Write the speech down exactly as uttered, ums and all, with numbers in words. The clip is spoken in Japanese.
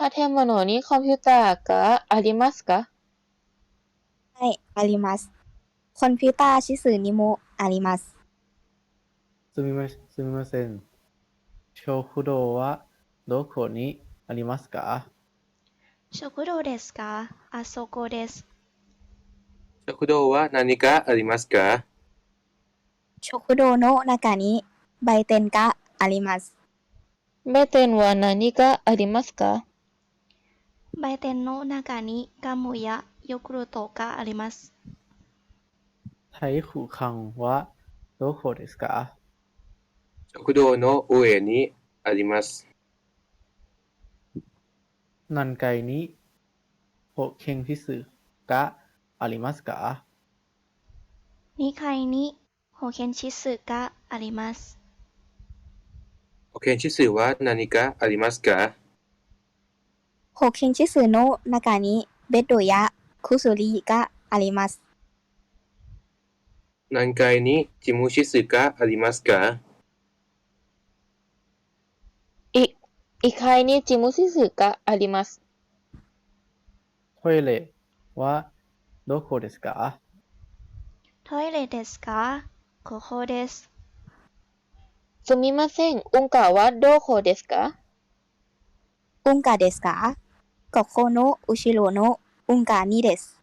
建物にコンピューターがありますか？ はい、あります。コンピューター指数にもあります。 すみま、すみません。食堂はどこにありますか？ 食堂ですか？あそこです。 食堂は何かありますか？ 食堂の中に売店があります。 売店は何がありますか？ 売店の中にガムやヨーグルトがあります。 台風館はどこですか？ 食堂の上にあります。 何階に保健室がありますか？ にかいに保健室があります。 保健室は何かありますか？ 保健室の中にベッドや薬があります。 何階に事務室がありますか？ い、いっかいに事務室があります。 トイレはどこですか？ トイレですか？ここです。 すみません。うんかはどこですか？ うんかですか？ここの後ろのうんかにです。